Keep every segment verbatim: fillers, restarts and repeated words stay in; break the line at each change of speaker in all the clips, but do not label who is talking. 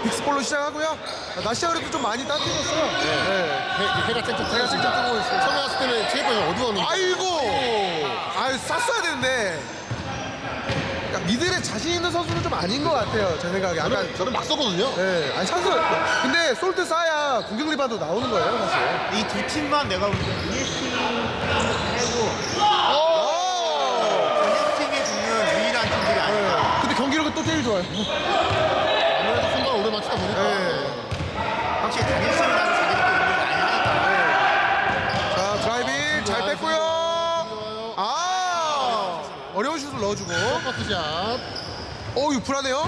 빅스볼로 시작하고요. 날씨가 그래도 좀 많이 따뜻해졌어요.
네. 해, 해가 쨍쨍
제가 직접 뜨고 있어요.
처음에 왔을 때는 체육관이 어두웠는데.
아이고! 아유, 쌌어야 되는데. 그러니까 미들에 자신 있는 선수는 좀 아닌 것 같아요. 제 생각에. 약간.
저는, 저는 막 쏘거든요.
네. 아니, 찬스. 근데 솔트 쌓아야 공격 리바운드 나오는 거예요, 사실.
이 두 팀만 내가 볼 때는 이에스티 빼고 단일팀이 붙는 유일한 팀들이 아닐까.
근데 경기력은 또 제일 좋아요.
아무래도 순간 오래 맞추다 보니까.
네.
확실히 단일팀이라는 자기들끼리 운동을 많이 하니까.
자, 드라이빙 잘 뺐고요. 아! 어려운 슛을 넣어주고.
퍼스샷.
어, 이거 불안해요.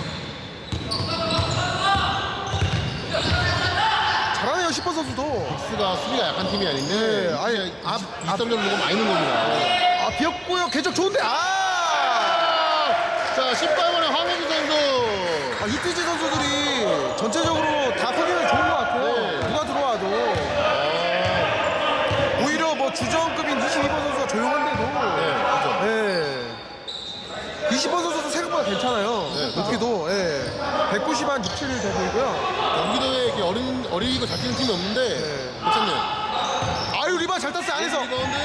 잘하네요, 십 번 선수도.
빅스가 수비가 약한 팀이 아닌데.
네, 아니,
앞,
앞-
이점 점 먹으면 많이 넣은 겁니다.
아, 비었고요. 궤적 좋은데. 아!
자, 십팔 번의 황혜주 선수.
아, 이티지 선수들이 전체적으로 다 퍼기력이 좋은 것 같아요.
네.
누가 들어와도. 오히려 뭐 주전급인 이십이 번 선수가 조용한데도.
네, 그렇죠.
네. 이십 번 선수도 생각보다 괜찮아요.
네, 그렇죠.
높이도. 예. 백구십 한 육, 칠 돼 보이고요.
경기도에 이렇게 어린, 어리고 잘 뛰는 팀이 없는데.
네.
괜찮네요.
아유, 리바 잘 땄어요, 안에서.
리바운드.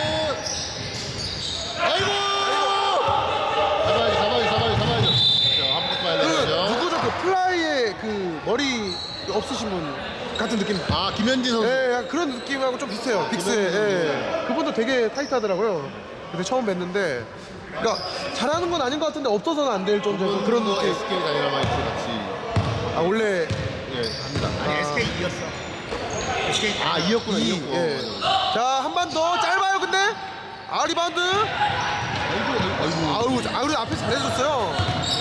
아이고! 잡아야지, 잡아야지, 잡아야지, 잡아야지. 자, 한번 봐야
그,
되죠.
누구죠? 그 플라이의 그 머리 없으신 분 같은 느낌.
아, 김현진 선수.
예, 약간 그런 느낌하고 좀 비슷해요. 빅스에.
김현진
예. 그분도 되게 타이트하더라고요. 근데 처음 뵀는데. 그러니까 잘하는 건 아닌 것 같은데 없어서는 안 될 정도의 그런
거
느낌.
에스케이 다이너마이트 같이.
아, 원래.
예, 합니다.
아니 에스케이 이겼어. 에스케이
아, 이었구나,
이,
이었고.
예. 자, 한 번 더. 짧아요, 근데. 아, 리바운드.
아이고, 아이고.
아우, 아우, 앞에 잘해줬어요.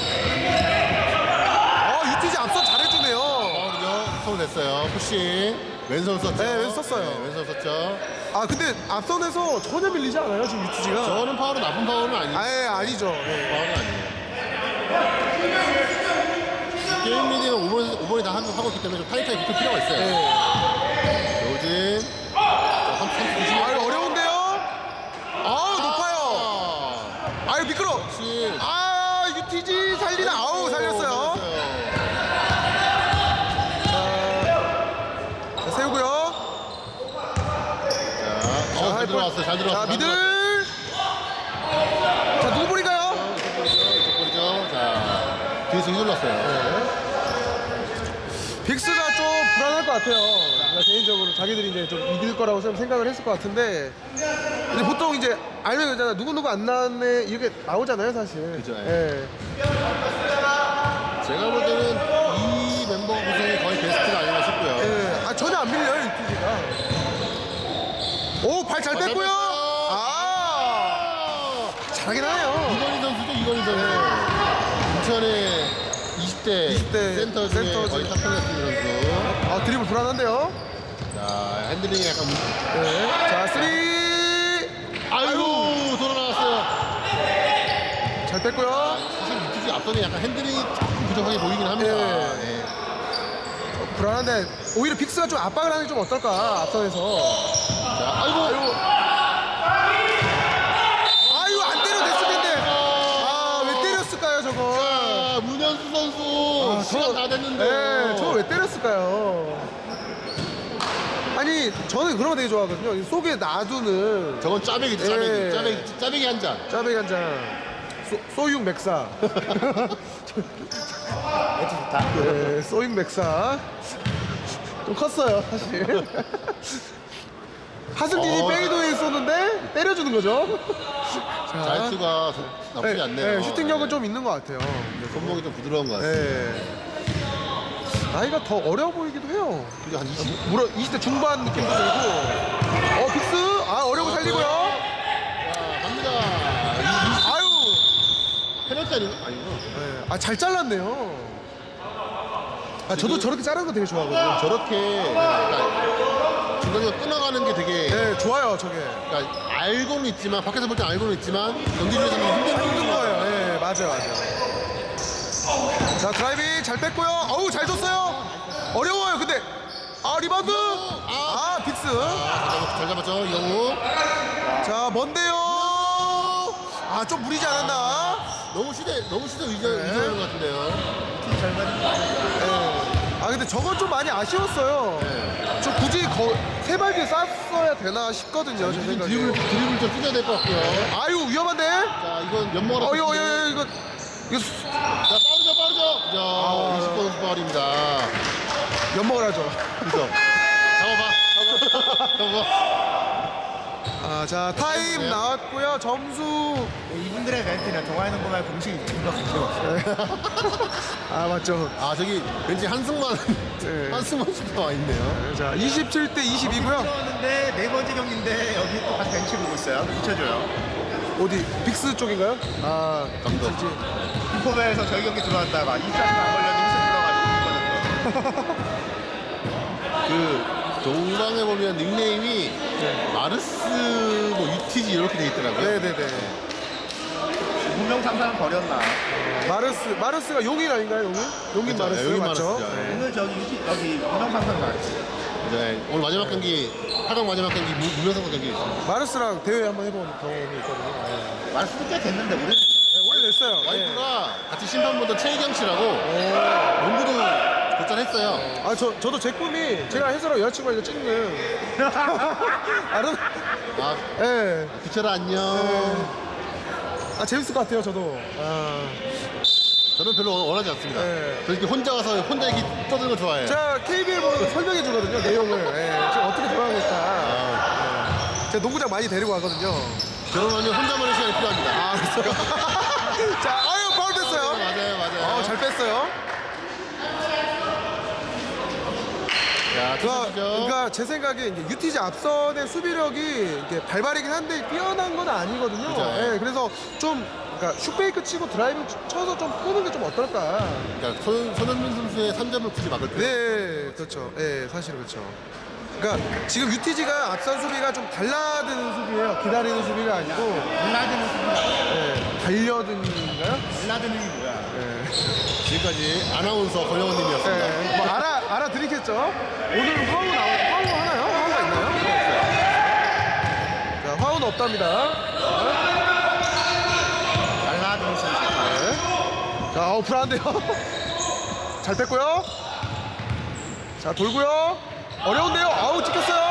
어, 유티지 앞선 잘해주네요.
파울이죠. 파울 냈어요. 푸싱. 왼손 썼죠.
네, 왼손 썼어요.
네, 왼손 썼죠.
아, 근데 앞선에서 전혀 밀리지 않아요, 지금 유티지가.
저는 파울은 나쁜 파울은 아니에요.
아예 아니죠. 네.
파울은 아니에요. 게임 리딩은 오 번, 오 번이 다 하고 하고 있기 때문에 좀 타이트하게 붙을 필요가 있어요.
네.
요즘. 자, 삼, 삼, 삼,
아유, 어려운데요? 아, 높아요. 아유, 미끄러.
그렇지.
아, 유티지 살리나. 아우, 살렸어요. 자, 자, 세우고요.
자, 어, 잘 들어왔어요. 잘 들어왔어요.
자, 미들. 자, 누구 볼인가요?
이쪽 볼이죠. 이쪽 볼이죠. 자, 뒤에서 휘둘렀어요.
빅스가 좀 불안할 것 같아요. 그러니까 개인적으로 자기들이 이제 좀 이길 거라고 좀 생각을 했을 것 같은데, 근데 보통 이제 알면 그잖아. 누구 누구 안 나왔네 이렇게 나오잖아요, 사실.
그죠,
예.
제가 볼 때는 이 멤버 구성이 거의 베스트가 아닌가 싶고요.
예. 아, 전혀 안 밀려요, 유티지가. 오, 발 잘
어, 잘
뺐고요.
뺐어요.
아, 잘하긴 하네요.
이건희 선수죠, 이건희 선수. 인천의 이십 대,
이십 대
센터 중에
센터
거의
중에.
탑승했던 선수.
아, 드리블 불안한데요.
자, 핸들링이 약간.
네. 자, 쓰리.
아이고, 돌아 나왔어요.
잘 뺐고요.
사실 유티지 앞선에 약간 핸들링이 조금 부족하게 보이긴 합니다.
예.
네.
불안한데 오히려 빅스가 좀 압박을 하는 게 좀 어떨까, 앞선에서.
자, 아이고.
아이고. 아이고, 안 때려 됐을 텐데. 아, 왜 때렸을까요, 저거?
자, 문현수 선수.
아,
시간 다 됐는데.
네, 저거 왜 때렸을까요? 아니, 저는 그런 거 되게 좋아하거든요. 이 속에 놔두는
저건 짜배기죠, 짜배기.
예.
짜배기, 짜배기 한 잔.
짜배기 한 잔. 소, 소육 맥사.
매치 좋다.
네, 소육 맥사. 좀 컸어요, 사실. 하승진이
어.
페이드웨이 쏘는데 때려주는 거죠. 자,
자유투가 나쁘지
네,
않네요.
네, 슈팅력은 좀 있는 것 같아요.
근데 손목이 좀 부드러운 것 같아요.
네. 나이가 더 어려 보이기도 해요.
그게 한 이십?
물어 이십 대 중반 느낌도 들고. 어, 빅스. 아, 어려고 살리고요.
자, 갑니다.
아유.
페널티 아니고? 아니고.
네. 아, 잘 잘랐네요. 아, 저도 저렇게 자르는 거 되게 좋아하거든요.
저렇게 그러니까 중간에 끊어가는 게 되게
네, 좋아요, 저게.
그러니까 알고는 있지만 밖에서 볼 때 알고는 있지만 경기 중에서는 힘든
힘든 거예요. 네, 맞아요, 맞아요. 자, 드라이빙 잘 뺐고요. 어우, 잘 줬어요. 어려워요, 근데. 아, 리바운드. 아, 빅스.
아, 잘 잡았죠, 이영우.
자, 뭔데요? 아, 좀 무리지 않았나?
너무 시대 너무 시대 의존
네.
의존하는 것 같은데요.
팀 절반이
네. 아, 근데 저건 좀 많이 아쉬웠어요.
네.
저 굳이 거, 세 발 뒤에 쌌어야 되나 싶거든요. 제 생각에.
드리블, 드리블 좀 뜯어야 될 것 같고요.
아유 위험한데?
자, 이건 연모가
어 이거 이거 이거 이거 수-
자, 빠르죠, 빠르죠. 자,
아.
이십 번 파울입니다.
엿먹을 하죠.
그죠? 잡아봐. 잡아봐.
아, 자 타임
네.
나왔고요. 점수.
이분들의 멘트는 동아의 농구말 공식이 증거 가지고 없어요.
아 맞죠.
아, 저기 왠지 한승만,
네.
한승만 슈퍼 와 있네요.
자 이십칠 대 이십이고요.
들어왔는데 네 번째 경기인데 여기 또 같이 벤치 보고 있어요. 붙여줘요.
어디 빅스 쪽인가요? 아
감독.
인포베에서 저희 경기 들어왔다가 이십사 분 안 걸렸는데 휘슬 들어가지고
그 동방에 보면 닉네임이 마르스, 뭐 유티지 이렇게 돼 있더라고요.
네네네.
분명 상상은 버렸나.
마르스 마르스가 용인 아닌가요? 용인? 용인
그렇죠.
마르스
용인
맞죠?
마르스죠.
네.
오늘 저기 유티 여기 분명 상상 나왔지.
네, 오늘 마지막 경기, 팔 강 마지막 경기 무- 무명상도 경기 있습니다.
마르스랑 대회 한번 해본 경험이 있거든요. 네.
말수도 꽤 됐는데 우리는
네, 오래 됐어요. 네.
와이프가 같이 신방 보던 최희경 씨라고
오.
농구도 곧잘했어요.
아, 저, 저도 제 꿈이 제가 해설하고 여자친구가 이거 찍는. 아는?
아,
예.
부채라 안녕.
아, 재밌을 것 같아요, 저도. 아.
저는 별로 원하지 않습니다.
네.
저 이렇게 혼자 가서 혼자 이렇게 떠드는 거 좋아해요.
제가 케이비엘 보면 설명해 주거든요, 내용을. 예. 지금 어떻게 돌아가고 있다.
아,
제가 농구장 많이 데리고 가거든요.
결혼하면 혼자만의 시간이 필요합니다.
아, 그랬어요? 자, 아유, 파울 뺐어요.
맞아요, 맞아요.
어, 잘 뺐어요.
자,
그러니까,
투수죠.
그러니까 제 생각에 이제 유티지 앞선의 수비력이 이게 발발이긴 한데 뛰어난 건 아니거든요.
그죠.
예, 그래서 좀 그러니까 슛페이크 치고 드라이브 쳐서 좀 푸는 게 좀 어떨까.
그러니까 손, 손흥민 선수의 삼 점을 굳이 막을 필요.
네, 그렇죠. 예, 사실은 그렇죠. 그러니까 지금 유티지가 앞선 수비가 좀 달라드는 수비예요. 기다리는 수비가 아니고
달라드는 수비가
예, 달려든가요?
달라드는 게 뭐야?
예.
지금까지 아나운서 권영원님이었습니다.
예, 뭐 알아 알아드리겠죠. 오늘 화우 나오 화우 하나요? 화우가 있나요? 자, 화우는 없답니다.
달라드는 수비.
네. 자, 어, 불안한데요? 잘 뺐고요. 자, 돌고요. 어려운데요? 아우, 찍혔어요.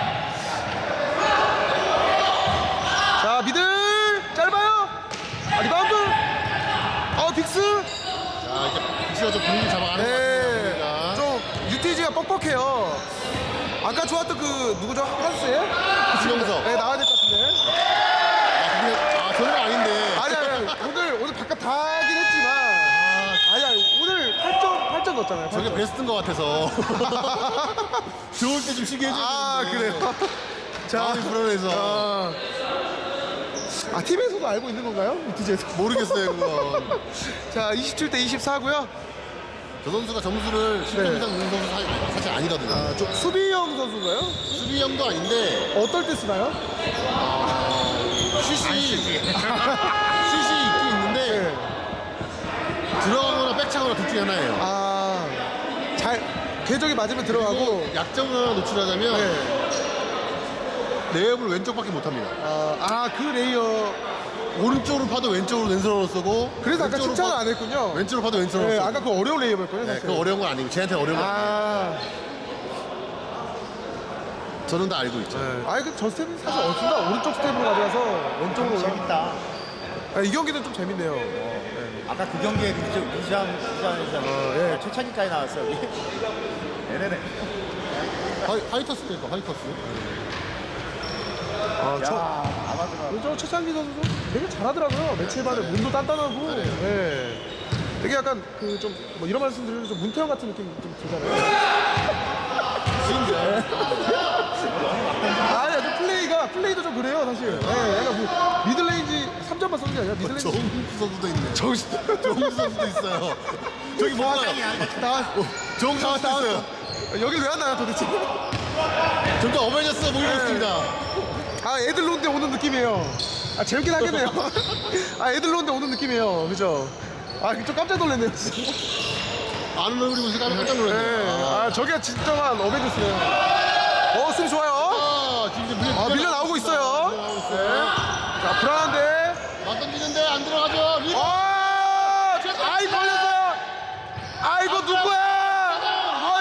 자, 미들. 짧아요. 아, 리바운드. 아, 빅스.
자, 이제 빅스가 좀 분위기 잡아가는 것
네.
같습니다.
좀 유티지가 뻑뻑해요. 아까 좋았던 그, 누구죠? 한스예요?
수영석.
네, 나와야 될 것 같은데.
아, 근데, 아, 저는 아닌데.
아니, 아니, 아니. 오늘, 오늘 바깥 다 하긴 했지만. 아니, 아니. 오늘 팔 점, 팔 점 넣었잖아요. 팔
저게
점.
베스트인 것 같아서. 좋을 때 좀 쉬게 해줘야
아,
되는데.
그래요? 자,
마음이 불안해서.
아, 아, 팀에서도 알고 있는 건가요? 유티지에서.
모르겠어요, 그건.
자, 이십칠 대 이십사고요.
저 선수가 점수를 십 점
네.
이상 넣는 선수 사- 사실 아니거든요.
아, 좀 수비형 선수인가요?
수비형도 아닌데,
어떨 때 쓰나요?
슛이, 슛이 있긴 있는데,
네.
들어가거나 백차거나 둘 중에 하나예요.
아, 잘 궤적이 맞으면 들어가고.
약점을 하나 노출하자면,
네.
레이업을 왼쪽밖에 못합니다.
아, 아, 그 레이어.
오른쪽으로 파도 왼쪽으로 왼손으로 쓰고,
그래서 아까
왼쪽으로
칭찬을
파-
안 했군요.
왼쪽으로 파도 왼손으로
네,
쓰고.
아까 그 어려운 레이어였거든요.
네,
사실.
그거 어려운 건 아니고, 쟤한테 어려운 건 아니에요.
아,
저는 다 알고 있죠.
네. 아니 그저 스텝은 사실 어딘가 오른쪽 스텝으로 가져가서 왼쪽으로. 올라-
재밌다.
아, 이 경기는 좀 재밌네요.
아까 그 경기에 루장 루장 루장에서
어, 예.
최창기까지 나왔어. 여기. 네네네.
하이, 하이터스 때니까 하이터스.
아, 저,
야, 아마도가.
저 최창기 선수도 되게 잘하더라고요. 매치반에 몸도 단단하고.
잘해요.
예. 되게 약간 그 좀 뭐 이런 말씀 드리면 좀 문태영 같은 느낌 좀 들잖아요.
진짜.
아니, 좀 플레이가 플레이도 좀 그래요, 사실. 예, 약간 뭐 미들레인지 삼 점만 쏘는 게 아니라 미들레인지.
정훈수 선수도 있네.
정신.
정훈수 선수도 있어요. 저기 뭔가
나
정훈수 선수도 있어요.
여길 왜 왔나요, 도대체?
점점 어벤져스가 보이고
네.
있습니다.
아, 애들 논데 오는 느낌이에요. 아, 재밌긴 하겠네요. 아, 애들 논데 오는 느낌이에요. 그죠? 아, 좀 깜짝 놀랐네요, 진짜.
아는 얼굴이 보니까 깜짝
네.
놀랐네요.
아, 저게 진정한 어벤져스네요. 어, 수비 좋아요.
아, 지금 이제 밀려,
아, 밀려 나오고 있어요.
밀려 나오고 있어요.
자, 불안한데.
맞 던지는데 안 들어가죠. 리바.
아, 아이, 걸렸어요. 아이고, 누구야?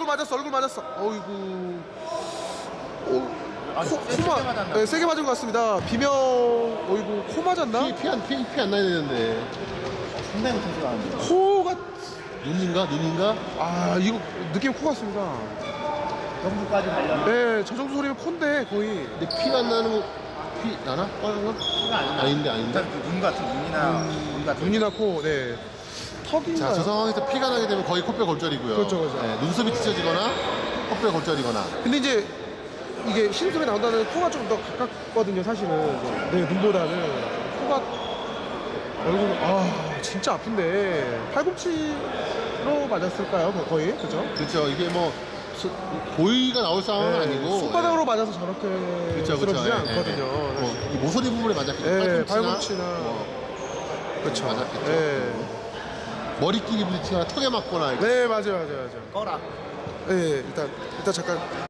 맞았어, 얼굴 맞았어. 어이구. 오,
아,
코,
세게
코 맞,
맞았나?
네, 세게 맞은 것 같습니다. 비명, 어이구, 코 맞았나?
피피안피안 나야 되는데
상당히 못해서 나왔는데.
코가,
눈인가 눈인가?
아, 이거 느낌 코 같습니다.
정부까지 달렸는데
네, 저 정도 소리면 콘데 거의.
근데 피가 안 나는 거 피 나나? 빨간 거?
아닌데
아닌데 아닌데.
일단 그눈 같은 눈이나 눈 같은
눈이나 코, 네. 턱인가요?
자, 저 상황에서 피가 나게 되면 거의 코뼈 골절이고요.
그렇죠, 그렇죠.
네, 눈썹이 찢어지거나 코뼈 골절이거나.
근데 이제 이게 신음소리 나온다는 코가 좀 더 가깝거든요, 사실은. 네, 눈보다는. 코가, 얼굴, 아, 진짜 아픈데. 팔꿈치로 맞았을까요, 거- 거의? 그죠?
그렇죠. 이게 뭐 소- 고의가 나올 상황은 아니고
손바닥으로 맞아서 저렇게
그렇죠,
쓰러지지
그렇죠.
않거든요.
뭐, 이 모서리 부분에 맞았겠죠.
예,
팔꿈치나,
팔꿈치나.
뭐,
그렇죠.
맞았겠죠.
네.
머리끼리 부딪히거나 턱에 맞거나.
네, 맞아요, 맞아요, 맞아요.
꺼라.
네, 일단, 일단 잠깐.